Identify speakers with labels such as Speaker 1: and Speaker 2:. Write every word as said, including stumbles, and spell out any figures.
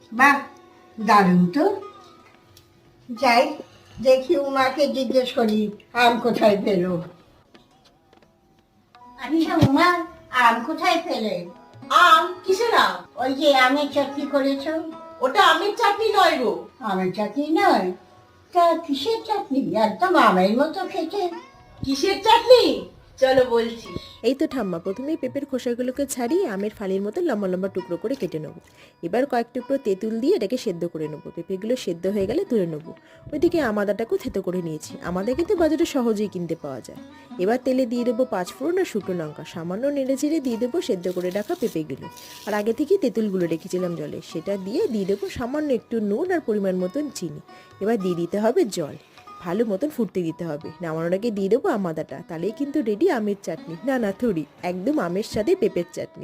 Speaker 1: বাহ, দারুণ তো। যাই, দেখি উমাকে জিজ্ঞেস করি আম কোথায় পেলো। আচ্ছা উমা, আম কোথায় পেলে?
Speaker 2: আম? কিসের আম?
Speaker 1: ওই যে আমের চাটনি করেছো।
Speaker 2: ওটা আমের চাটনি নয় গো।
Speaker 1: আমের চাটনি নয়? তা কিসের চাটনি? একদম আমের মতো খেতে।
Speaker 2: কিসের চাটনি? চলো বলছি।
Speaker 3: এই তো ঠাম্মা, প্রথমেই পেঁপের খোসাগুলোকে ছাড়িয়ে আমের ফালির মতো লম্বা লম্বা টুকরো করে কেটে নেবো। এবার কয়েক টুকরো তেঁতুল দিয়ে এটাকে সেদ্ধ করে নেবো। পেঁপেগুলো সেদ্ধ হয়ে গেলে তুলে নেবো। ওইদিকে আমাদাটাকেও থেতো করে নিয়েছি। আমাদের কিন্তু বাজারে সহজেই কিনতে পাওয়া যায়। এবার তেলে দিয়ে দেবো পাঁচ ফোড়ন আর শুকনো লঙ্কা, সামান্য নেড়ে চেড়ে দিয়ে দেবো সেদ্ধ করে রাখা পেঁপেগুলো। আর আগে থেকেই তেঁতুলগুলো রেখেছিলাম জলে, সেটা দিয়ে দিয়ে দেবো সামান্য একটু নুন আর পরিমাণ মতন চিনি। এবার দিয়ে দিতে হবে জল, ভালো মতন ফুটতে দিতে হবে। নামানোর আগে দিয়ে দেবো আমাদাটা, তাহলেই কিন্তু রেডি আমের চাটনি। না না থুড়ি, একদম আমের সাথে পেঁপের চাটনি।